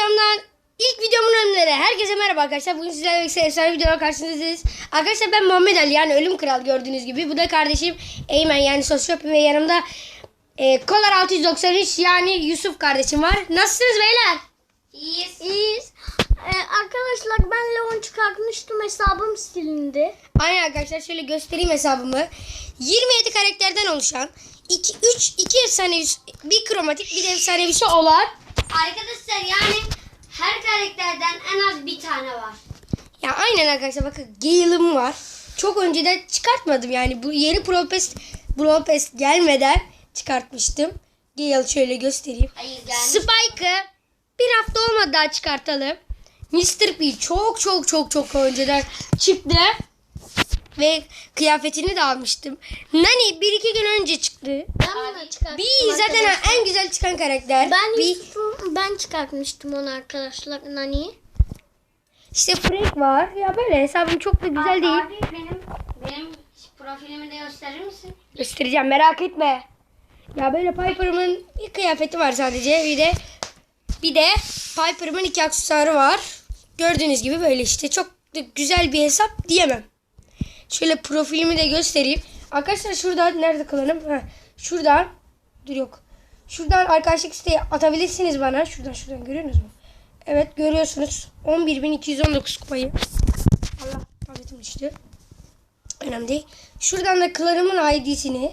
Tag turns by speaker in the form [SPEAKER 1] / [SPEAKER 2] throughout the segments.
[SPEAKER 1] kanalımdan ilk videomun önleri. Herkese merhaba arkadaşlar. Bugün sizlerle birlikte efsane videolar karşınızdayız. Arkadaşlar ben Muhammed Ali yani Ölüm Kral gördüğünüz gibi. Bu da kardeşim Eymen yani Sosyopim ve yanımda Kolar 693 yani Yusuf kardeşim var. Nasılsınız beyler?
[SPEAKER 2] İyiyiz. Arkadaşlar ben Leon çıkartmıştım, hesabım silindi.
[SPEAKER 1] Aynen arkadaşlar, şöyle göstereyim hesabımı. 27 karakterden oluşan 2 efsanevi, bir kromatik, bir de efsanevisi olan.
[SPEAKER 3] Arkadaşlar yani her karakterden en az bir tane var.
[SPEAKER 1] Ya aynen arkadaşlar, bakın Gale'ım var. Çok önceden çıkartmadım yani, bu yeni Brawl Pass gelmeden çıkartmıştım. Gale şöyle göstereyim.
[SPEAKER 3] Hayır gelmiş.
[SPEAKER 1] Spike'ı bir hafta olmadı daha çıkartalım. Mr. P çok önceden çıktı. Ve kıyafetini de almıştım. Nani 1-2 gün önce çıktı.
[SPEAKER 2] Ben bunu çıkarttım.
[SPEAKER 1] Bir zaten en güzel çıkan karakter.
[SPEAKER 2] Ben çıkartmıştım onu arkadaşlar, Nani'yi.
[SPEAKER 1] İşte Frank var. Ya böyle hesabım çok da güzel değil.
[SPEAKER 3] Abi benim profilimi de gösterir misin?
[SPEAKER 1] Göstereceğim, merak etme. Ya böyle Piper'ımın bir kıyafeti var sadece. Bir de Piper'ımın 2 aksesuarı var. Gördüğünüz gibi böyle işte, çok da güzel bir hesap diyemem. Şöyle profilimi de göstereyim. Arkadaşlar şuradan nerede kalalım? Şuradan. Dur yok. Şuradan arkadaşlık isteği atabilirsiniz bana. Şuradan görüyorsunuz mu? Evet görüyorsunuz. 11.219 kupayı. Allah, tabletim düştü. Önemli değil. Şuradan da klanımın ID'sini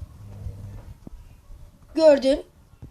[SPEAKER 1] gördün.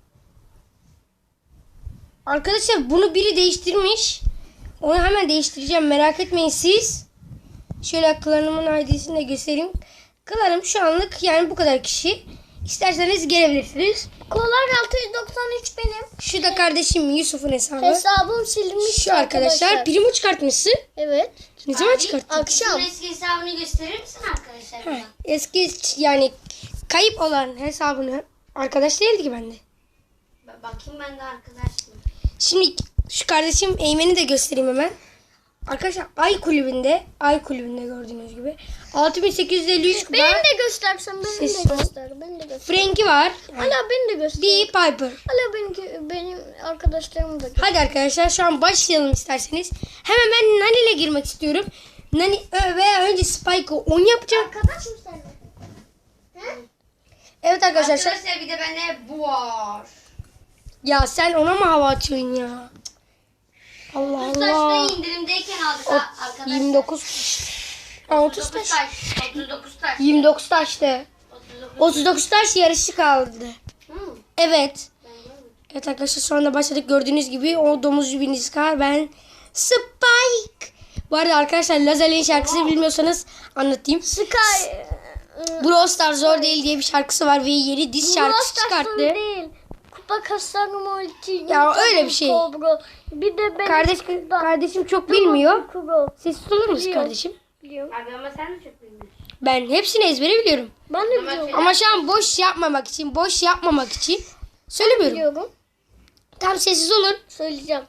[SPEAKER 1] Arkadaşlar bunu biri değiştirmiş. Onu hemen değiştireceğim. Merak etmeyin siz. Şöyle klanımın ID'sini de göstereyim. Klanım şu anlık yani bu kadar kişi. İsterseniz gelebilirsiniz.
[SPEAKER 2] Kolar 693 benim.
[SPEAKER 1] Şu da kardeşim Yusuf'un hesabı.
[SPEAKER 2] Hesabım silinmiş.
[SPEAKER 1] Şu arkadaşlar. Primo çıkartmışsın.
[SPEAKER 2] Evet.
[SPEAKER 1] Ne zaman
[SPEAKER 3] Abi,
[SPEAKER 1] çıkarttın?
[SPEAKER 2] Akşam.
[SPEAKER 3] Eski hesabını gösterir misin arkadaşlar?
[SPEAKER 1] Heh, eski yani kayıp olan hesabını, arkadaş değildi ki bende.
[SPEAKER 3] Bakayım ben de arkadaşım.
[SPEAKER 1] Şimdi şu kardeşim Eymen'i de göstereyim hemen. Arkadaşlar Ay kulübünde gördüğünüz gibi 6853 kupa.
[SPEAKER 2] Beni de göstersen, beni
[SPEAKER 1] Ses
[SPEAKER 2] de
[SPEAKER 1] ol.
[SPEAKER 2] göster. Beni de göster.
[SPEAKER 1] Frank'i var.
[SPEAKER 2] Hala beni de göster.
[SPEAKER 1] Bir Piper.
[SPEAKER 2] Hala benim arkadaşlarım da göster.
[SPEAKER 1] Hadi arkadaşlar şu an başlayalım isterseniz. Hemen ben Nani ile girmek istiyorum. Nani veya önce Spike'ı 10 yapacağım.
[SPEAKER 2] Arkadaş mı sen?
[SPEAKER 1] Evet arkadaşlar.
[SPEAKER 3] Arkadaşlar bir de bende bu var.
[SPEAKER 1] Ya sen ona mı hava atıyorsun ya? Allah Allah.
[SPEAKER 3] Taş'ta indirimdeyken aldık arkadaşlar.
[SPEAKER 1] 29. 30 taş.
[SPEAKER 3] 39 taş.
[SPEAKER 1] 29 taştı. 39 taş yarışı kaldı.
[SPEAKER 3] Hı.
[SPEAKER 1] Evet. Evet arkadaşlar şu anda başladık. Gördüğünüz gibi o domuzcu bir Niskar, ben Spike. Bu arada arkadaşlar Lazer'in şarkısını bilmiyorsanız anlatayım.
[SPEAKER 2] Sky.
[SPEAKER 1] Brawl Stars zor değil diye bir şarkısı var ve yeni diz şarkısı çıkarttı.
[SPEAKER 2] Değil. Kupa kasarım ulti.
[SPEAKER 1] Ya öyle bir şey.
[SPEAKER 2] Kobra. Bir de benim
[SPEAKER 1] Kardeşim çok bilmiyor.
[SPEAKER 2] Kuro.
[SPEAKER 1] Sessiz olur musun
[SPEAKER 2] Biliyorum.
[SPEAKER 1] kardeşim?
[SPEAKER 2] Biliyorum.
[SPEAKER 3] Abi ama sen de çok bilmiyorsun.
[SPEAKER 1] Ben hepsini ezbere biliyorum.
[SPEAKER 2] Ben de biliyorum.
[SPEAKER 1] Ama şu an boş yapmamak için söylemiyorum.
[SPEAKER 2] Biliyorum.
[SPEAKER 1] Tam sessiz olun.
[SPEAKER 2] Söyleyeceğim.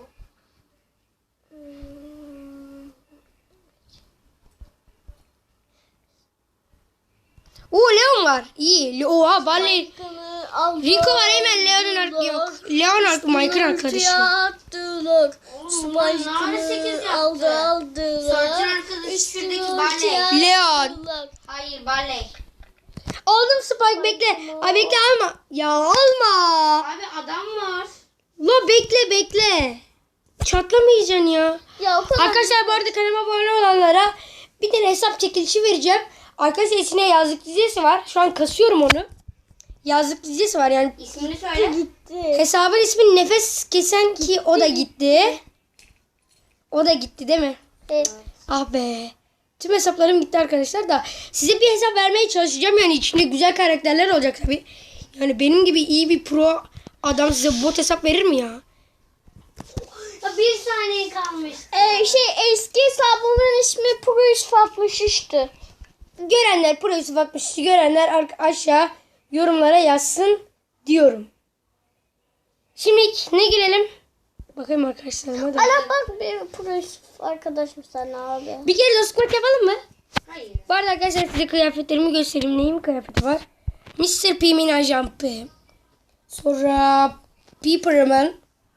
[SPEAKER 1] Leon var. İyi. Oha Barley. Rico var, hemen Leon'un yok. Leon Mike'ın arkadaşı.
[SPEAKER 2] Attılar.
[SPEAKER 3] Bunlar 8 yaptı.
[SPEAKER 2] Aldılar.
[SPEAKER 3] Sortun arkadaşı şuradaki Barley.
[SPEAKER 1] Leon.
[SPEAKER 3] Hayır Barley.
[SPEAKER 1] Aldım Spike, bekle. Ay bekle, alma. Ya alma.
[SPEAKER 3] Abi adam var.
[SPEAKER 1] La bekle. Çatlamayacaksın ya.
[SPEAKER 2] Ya o kadar.
[SPEAKER 1] Arkadaşlar bu arada kanalıma abone olanlara bir tane hesap çekilişi vereceğim. Arkadaşlar içine yazlık dizisi var. Şu an kasıyorum onu. Yazlık dizisi var yani.
[SPEAKER 3] İsmini söyle.
[SPEAKER 2] Gitti.
[SPEAKER 1] Hesabın ismi Nefes Kesen ki o da gitti. O da gitti değil mi?
[SPEAKER 2] Evet.
[SPEAKER 1] Ah be. Tüm hesaplarım gitti arkadaşlar da. Size bir hesap vermeye çalışacağım yani, içinde güzel karakterler olacak tabii. Yani benim gibi iyi bir pro adam size bot hesap verir mi ya?
[SPEAKER 3] Bir saniye kalmış.
[SPEAKER 2] Eski hesabımın ismi Pro 163'tü.
[SPEAKER 1] Görenler Pro Yusuf 60'ı görenler aşağı yorumlara yazsın diyorum. Şimdi ne girelim? Bakayım arkadaşlar. Hadi.
[SPEAKER 2] Ala bak, bir Pro Yusuf arkadaşım sana abi.
[SPEAKER 1] Bir kere dostluk yapalım mı?
[SPEAKER 3] Hayır.
[SPEAKER 1] Bu arada arkadaşlar size kıyafetlerimi göstereyim. Neyin kıyafeti var? Mr. P'min ajampı. Sonra Piper'ımın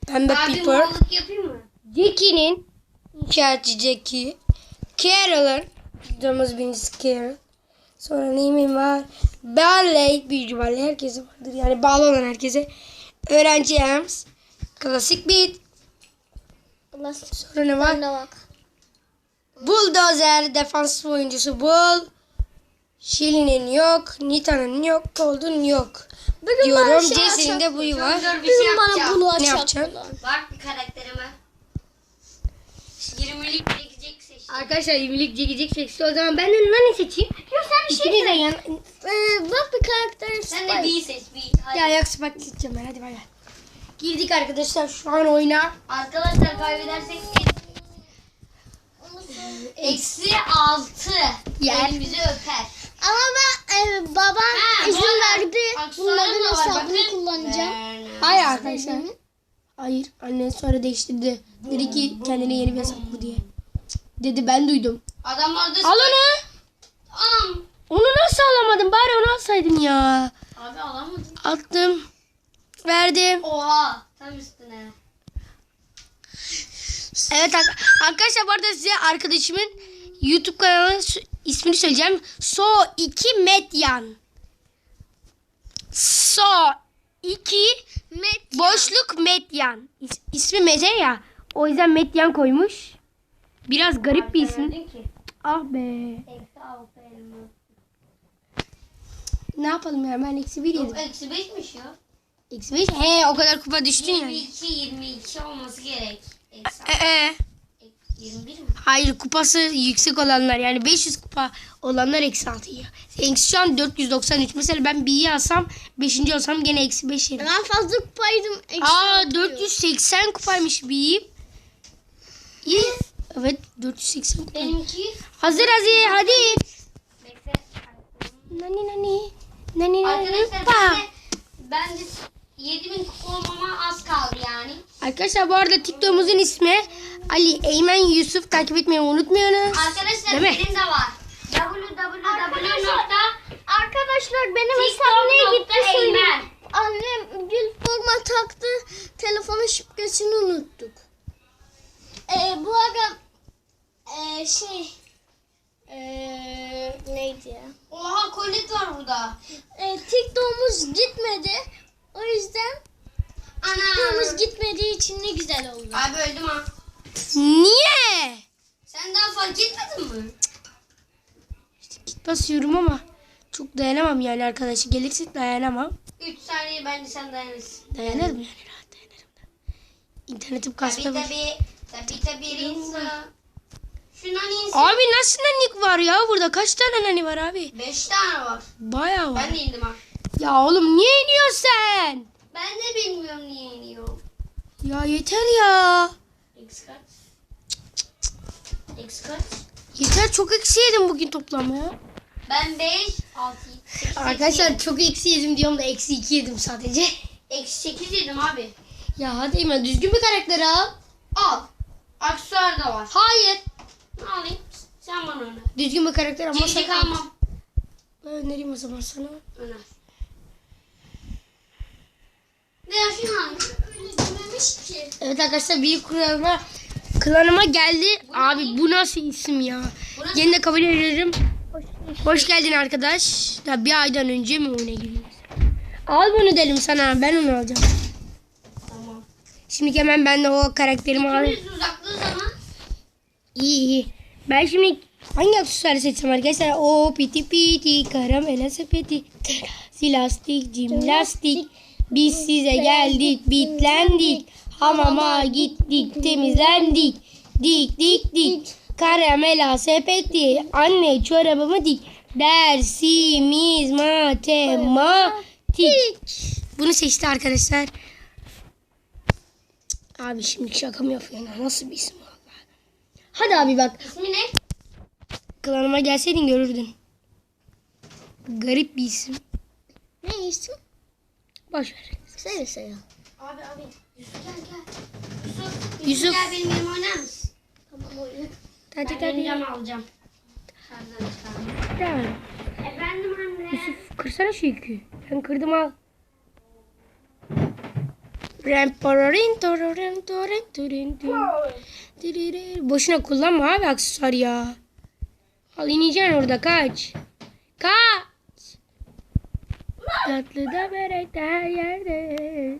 [SPEAKER 1] Pembe
[SPEAKER 3] Abi
[SPEAKER 1] Piper.
[SPEAKER 3] mallık yapayım mı?
[SPEAKER 1] Jackie'nin inşaatçı Jackie. Carol'ın videomuz birincisi Carol. Sonra neyim var? Ballet büyük ihtimalle herkese vardır. Yani bağlı olan herkese. Öğrenci Ems. Klasik Beat.
[SPEAKER 2] Lastik
[SPEAKER 1] Sonra ne var?
[SPEAKER 2] önüne bak.
[SPEAKER 1] Bulldozer defans oyuncusu Bull. Shili'nin yok. Nita'nın yok. Cold'un yok.
[SPEAKER 2] Bugün bana
[SPEAKER 1] Diyorum.
[SPEAKER 2] şey
[SPEAKER 1] Jesse'nin de buyu var.
[SPEAKER 3] Dur bir şey
[SPEAKER 2] Bugün bana
[SPEAKER 3] yapacağım.
[SPEAKER 2] bunu
[SPEAKER 1] Ne
[SPEAKER 2] açacak.
[SPEAKER 1] yapacaksın?
[SPEAKER 3] Bak bir karakterime. 20'lik çekecek seçtim.
[SPEAKER 1] Arkadaşlar 20'lik çekecek seksi. O zaman ben de ne seçeyim?
[SPEAKER 2] Yok sen bir şey
[SPEAKER 1] İkiniz de yan...
[SPEAKER 2] Bak bir karakter
[SPEAKER 3] Sen de
[SPEAKER 2] Spike.
[SPEAKER 3] B'yi seç. B. Hadi.
[SPEAKER 1] Ya ayak sıpak seçeceğim ben. Hadi bay bay. Girdik arkadaşlar şu an oyuna.
[SPEAKER 3] Arkadaşlar kaybedersek -6
[SPEAKER 1] Yer.
[SPEAKER 3] elimizi öper.
[SPEAKER 2] Ama ben babam
[SPEAKER 3] Ha,
[SPEAKER 2] izin
[SPEAKER 3] bu arada
[SPEAKER 2] verdi.
[SPEAKER 3] aksesuarım
[SPEAKER 2] Bunların
[SPEAKER 3] da var,
[SPEAKER 2] hesabını
[SPEAKER 3] bakın.
[SPEAKER 2] kullanacağım.
[SPEAKER 1] Hayır arkadaşlar. Hayır. Annen sonra değiştirdi. Dedi ki kendine yeni bir hesap bu diye. Dedi ben duydum.
[SPEAKER 3] Adamlar da
[SPEAKER 1] Al onu.
[SPEAKER 3] Anam.
[SPEAKER 1] Onu nasıl alamadın? Bari onu alsaydın ya.
[SPEAKER 3] Abi alamadım.
[SPEAKER 1] Attım. Verdim.
[SPEAKER 3] Oha. Tam üstüne.
[SPEAKER 1] Evet arkadaşlar bu arada size arkadaşımın YouTube kanalının ismini söyleyeceğim. So2 Medyan. So2 boşluk Medyan. İsmi Mete ya. O yüzden Medyan koymuş. Biraz garip bir isim.
[SPEAKER 3] Verdin ki.
[SPEAKER 1] Ah be.
[SPEAKER 3] -6 elimi.
[SPEAKER 1] Ne yapalım ya ben eksi 1 yedim.
[SPEAKER 3] Yok -5'miş ya.
[SPEAKER 1] Eksi 5. He o kadar kupa düştün ya.
[SPEAKER 3] 22 olması gerek. Eksi 21 mi?
[SPEAKER 1] Hayır kupası yüksek olanlar yani 500 kupa olanlar eksi 6 yiyor. Eksi şu an 493. Mesela ben B'yi alsam 5. olsam gene eksi 5 yerim.
[SPEAKER 2] Ben fazla kupaydım.
[SPEAKER 1] Aa 480 kupaymış B'yi. İyi. Evet 480 kupa.
[SPEAKER 3] Benimki.
[SPEAKER 1] Hazır hadi.
[SPEAKER 3] Bekle.
[SPEAKER 1] Nani nani. Nani nani.
[SPEAKER 3] Arkadaşlar
[SPEAKER 1] Pa.
[SPEAKER 3] ben de 7000 kupa olmama az kaldı yani.
[SPEAKER 1] Arkadaşlar bu arada TikTok'umuzun ismi Ali Eymen Yusuf, takip etmeyi unutmayınız.
[SPEAKER 3] Arkadaşlar
[SPEAKER 1] Değil mi?
[SPEAKER 3] benim de var.
[SPEAKER 2] Arkadaşlar benim hesabım neye gitti söyleyeyim.
[SPEAKER 3] www.eymen.
[SPEAKER 2] Annem gül forma taktı. Telefonun şifresini unuttuk. Bu arada neydi ya?
[SPEAKER 3] Oha kolit var burada.
[SPEAKER 2] TikTok'umuz gitmedi. O yüzden
[SPEAKER 3] Ana.
[SPEAKER 2] TikTok'umuz gitmediği için ne güzel oldu.
[SPEAKER 3] Abi öldüm ha.
[SPEAKER 1] Niye?
[SPEAKER 3] Sen daha fark etmedin mi?
[SPEAKER 1] Git basıyorum ama çok dayanamam yani arkadaşı gelirse dayanamam.
[SPEAKER 3] 3 saniye bence sen dayanırsın.
[SPEAKER 1] Dayanırım yani rahat dayanırım da. İnternetim kasma.
[SPEAKER 3] Tabii insan. Şundan insan.
[SPEAKER 1] Abi nasıl nanik var ya burada kaç tane nani var abi?
[SPEAKER 3] 5 tane var.
[SPEAKER 1] Bayağı var.
[SPEAKER 3] Ben de indim ha.
[SPEAKER 1] Ya oğlum niye iniyorsun sen?
[SPEAKER 3] Ben de bilmiyorum niye iniyor.
[SPEAKER 1] Ya yeter ya.
[SPEAKER 3] X kaç? X kaç?
[SPEAKER 1] Yeter çok eksi yedim bugün toplam ya.
[SPEAKER 3] Ben 5, 6, 8,
[SPEAKER 1] Arkadaşlar çok eksi yedim diyorum da eksi 2 yedim sadece.
[SPEAKER 3] Eksi 8 yedim abi.
[SPEAKER 1] Ya hadi Eymen düzgün bir karakter al.
[SPEAKER 3] Al. Aksesuar da var.
[SPEAKER 1] Hayır.
[SPEAKER 3] Ne alayım? Sen bana öner.
[SPEAKER 1] Düzgün bir karakter ama
[SPEAKER 3] Cici kalmam.
[SPEAKER 1] Ben önereyim o zaman sana.
[SPEAKER 3] Öner. Ne ya şunu alayım.
[SPEAKER 2] Öyle dememiş ki.
[SPEAKER 1] Evet arkadaşlar bir klanıma geldi. Abi bu nasıl isim ya?
[SPEAKER 3] Bu nasıl?
[SPEAKER 1] Yine de kabul ederim. Hoş geldin arkadaş. Ya bir aydan önce mi oyuna giriyoruz? Al bunu dedim sana. Ben onu alacağım.
[SPEAKER 3] Tamam.
[SPEAKER 1] Şimdi hemen ben de o karakterimi alayım.
[SPEAKER 3] Biz uzaklığı zaman.
[SPEAKER 1] İyi. Ben şimdi hangi aksesuarı seçsem arkadaşlar? O piti piti karamela sepeti. Silastik, cimnastik. Biz size geldik, bitlendik. Hamama gittik, temizlendik. Dik dik dik. Karamela sepeti. Anne çorabımı dik. Dersimiz matematik. Bunu seçti arkadaşlar. Abi şimdi şaka mı yapıyorsun? Nasıl bir isim valla. Hadi abi bak.
[SPEAKER 3] İsmi ne?
[SPEAKER 1] Klanıma gelseydin görürdün. Garip bir isim.
[SPEAKER 2] Ne isim?
[SPEAKER 1] Boş ver.
[SPEAKER 2] Söyle söyle.
[SPEAKER 3] Abi. Yusuf gel.
[SPEAKER 1] Yusuf.
[SPEAKER 3] Gel benim yerime oynar mısın?
[SPEAKER 2] Tamam oyun.
[SPEAKER 1] Hadi
[SPEAKER 3] Ben
[SPEAKER 1] hadi.
[SPEAKER 3] cam alacağım. Şarjdan çıkardım.
[SPEAKER 1] Tamam.
[SPEAKER 3] Efendim anne.
[SPEAKER 1] Kırsana şu yükü. Ben kırdım al. Boşuna kullanma abi aksesuar ya. Al ineceksin orada kaç. Kaç. Tatlı da börek de her yerde.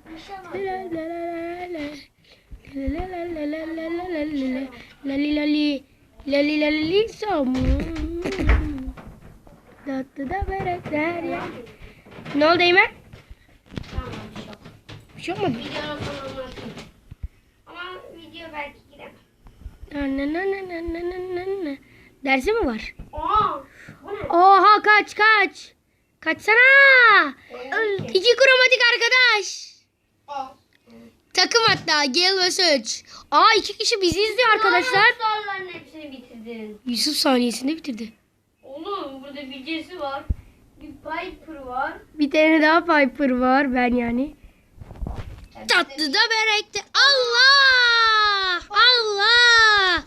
[SPEAKER 1] Lali lali lali lali somun. Tatlı da börek de her yerde. Ne oldu Eymen?
[SPEAKER 3] Tamam çok.
[SPEAKER 1] Bir şey olmadı.
[SPEAKER 3] Videonun sonunu atayım. Ama video belki giremem.
[SPEAKER 1] Dersi mi var?
[SPEAKER 3] Aa, bu ne?
[SPEAKER 1] Oha kaç. Kaçsana. İki kromatik arkadaş.
[SPEAKER 3] Aa.
[SPEAKER 1] Takım hatta gel ve search. Aa 2 kişi bizi izliyor arkadaşlar.
[SPEAKER 3] Soruların hepsini bitirdin.
[SPEAKER 1] Yusuf saniyesinde bitirdi.
[SPEAKER 3] Oğlum burada bir Jesse var. Bir Piper var.
[SPEAKER 1] Bir tane daha Piper var ben yani. Tatlı da börekte. Allah! Allah!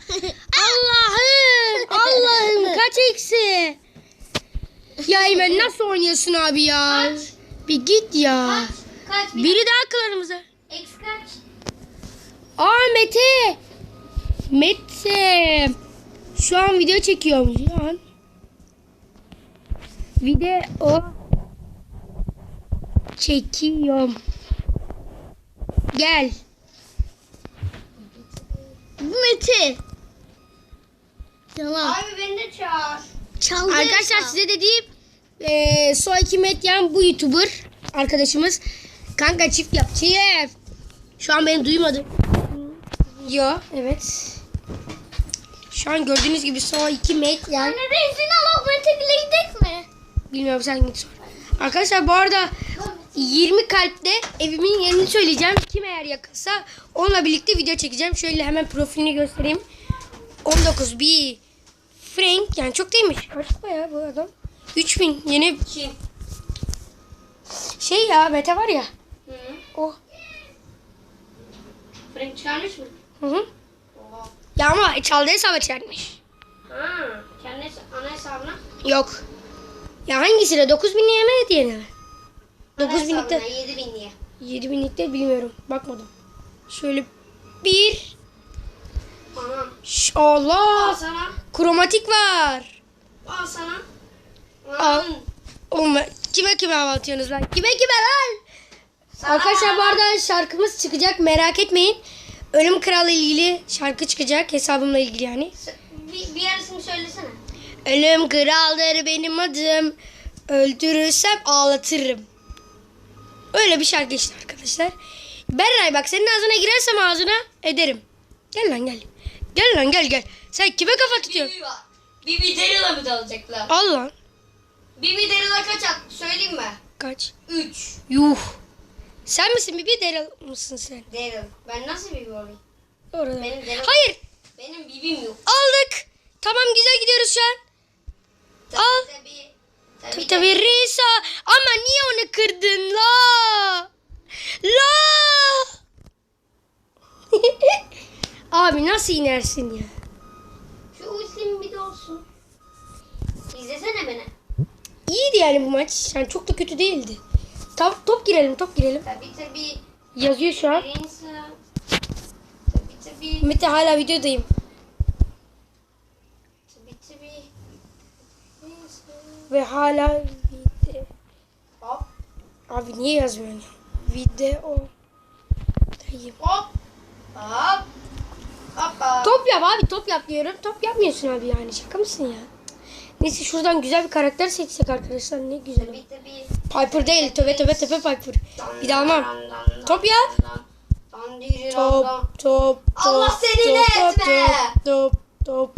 [SPEAKER 1] Allah'ım kaç eksi? Ya Eymen nasıl oynuyorsun abi ya?
[SPEAKER 3] Kaç?
[SPEAKER 1] Bir git ya.
[SPEAKER 3] Kaç?
[SPEAKER 1] Biri daha kılarımıza.
[SPEAKER 3] X kaç?
[SPEAKER 1] Aa Mete. Mete. Şu an video çekiyorum şu an. Video çekiyorum. Gel.
[SPEAKER 2] Mete. Tamam.
[SPEAKER 3] Abi beni de çağır.
[SPEAKER 2] Çaldı.
[SPEAKER 1] Arkadaşlar size dediğim Soyki Medyan bu YouTuber arkadaşımız. Kanka çift yap. Çift. Şu an beni duymadı. Yo evet. Şu an gördüğünüz gibi Soyki Medyan.
[SPEAKER 2] Anne de izin al. Mete bile gidelim mi?
[SPEAKER 1] Bilmiyorum sen git sor. Arkadaşlar bu arada 20 kalpte evimin yerini söyleyeceğim. Kim eğer yakınsa onunla birlikte video çekeceğim. Şöyle hemen profilini göstereyim. 19 bir Frank yani çok değilmiş. Kaç ya bu adam? 3000 yeni
[SPEAKER 3] Kim?
[SPEAKER 1] şey ya Mete var ya.
[SPEAKER 3] Hı.
[SPEAKER 1] O.
[SPEAKER 3] Frank çıkarmış mı?
[SPEAKER 1] Hı hı.
[SPEAKER 3] Oha.
[SPEAKER 1] Ya ama çaldığı hesaba çarpmış.
[SPEAKER 3] Ha, kendi ana hesabına.
[SPEAKER 1] Yok. Ya hangisine? 9000'liye mi hediyene mi?
[SPEAKER 3] Ana
[SPEAKER 1] 9000'likte.
[SPEAKER 3] hesabına 7000 diye.
[SPEAKER 1] 7000'likte bilmiyorum. Bakmadım. Şöyle bir.
[SPEAKER 3] Aha. Al
[SPEAKER 1] Allah.
[SPEAKER 3] sana.
[SPEAKER 1] Kromatik var.
[SPEAKER 3] Al sana.
[SPEAKER 1] Al. Oğlum kime hava atıyorsunuz lan? Kime lan?
[SPEAKER 3] Sana.
[SPEAKER 1] Arkadaşlar bu arada şarkımız çıkacak. Merak etmeyin. Ölüm Kralı ilgili şarkı çıkacak. Hesabımla ilgili yani.
[SPEAKER 3] Bir yarısını söylesene.
[SPEAKER 1] Ölüm kraldır benim adım. Öldürürsem ağlatırım. Öyle bir şarkı işte arkadaşlar. Berray bak senin ağzına girersem ağzına ederim. Gel lan gel. Gel lan gel. Sen kime kafa tutuyorsun?
[SPEAKER 3] Bir Daryl'a mı dalacaklar?
[SPEAKER 1] Al lan.
[SPEAKER 3] Bir Daryl'a kaç at? Söyleyeyim mi?
[SPEAKER 1] Kaç?
[SPEAKER 3] 3.
[SPEAKER 1] Yuh. Sen misin Bibi Daryl mısın sen?
[SPEAKER 3] Daryl. Ben nasıl Bibi olayım?
[SPEAKER 1] Orada.
[SPEAKER 3] Benim Daryl.
[SPEAKER 1] Hayır.
[SPEAKER 3] Benim Bibim yok.
[SPEAKER 1] Aldık. Tamam güzel gidiyoruz şu an. Al. Tabii Risa. Ama niye onu kırdın la? Abi nasıl inersin ya?
[SPEAKER 3] Şu ultim bir de olsun. İzlesene beni.
[SPEAKER 1] İyiydi yani bu maç. Yani çok da kötü değildi. Top girelim.
[SPEAKER 3] Tabii.
[SPEAKER 1] Yazıyor şu an.
[SPEAKER 3] Risa. Tabii.
[SPEAKER 1] Mete hala videodayım.
[SPEAKER 3] Tabii. Risa.
[SPEAKER 1] Ve hala video.
[SPEAKER 3] Hop.
[SPEAKER 1] Abi niye yazmıyorsun? Video. Dayım.
[SPEAKER 3] Hop. Hop. Hoppa.
[SPEAKER 1] Top yap abi top yap diyorum. Top yapmıyorsun abi yani şaka mısın ya? Neyse şuradan güzel bir karakter seçsek arkadaşlar ne güzel.
[SPEAKER 3] Tabii.
[SPEAKER 1] Piper değil töbe Piper. Bir daha almam. Top yap. Top.
[SPEAKER 3] Allah seni ne etme.
[SPEAKER 1] Top.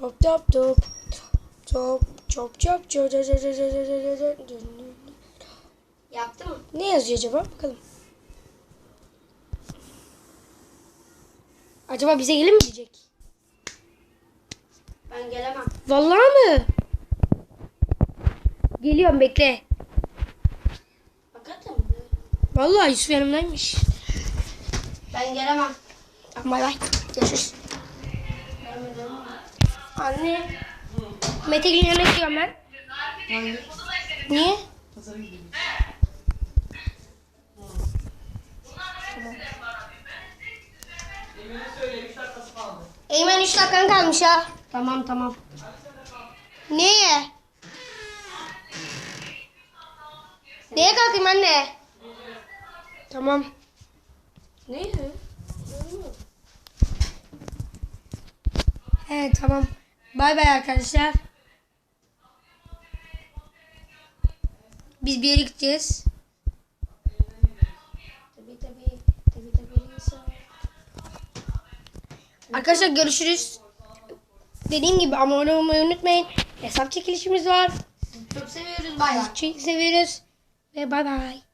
[SPEAKER 3] Yaptı mı?
[SPEAKER 1] Ne yazıyor acaba? Bakalım. Acaba bize gelir mi diyecek?
[SPEAKER 3] Ben gelemem.
[SPEAKER 1] Vallahi mı? Geliyorum bekle.
[SPEAKER 3] Hakikaten mi?
[SPEAKER 1] Vallahi Yusuf yanımdaymış.
[SPEAKER 3] Ben gelemem.
[SPEAKER 1] Bay bay. Görüşürüz. Anne. Mete Gül'ün yanına gidiyorum ben. Niye? Eymen 3 dakikan kalmış ha.
[SPEAKER 3] Tamam tamam.
[SPEAKER 1] Neye? Neye kalkayım anne? Tamam.
[SPEAKER 3] Ne?
[SPEAKER 1] He tamam. Bay bay arkadaşlar. Biz bir yere gideceğiz.
[SPEAKER 3] Tabii.
[SPEAKER 1] Arkadaşlar görüşürüz. Dediğim gibi abone olmayı unutmayın. Hesap çekilişimiz var.
[SPEAKER 3] Çok seviyoruz. Bay bay.
[SPEAKER 1] Çok seviyoruz. Ve bay bay.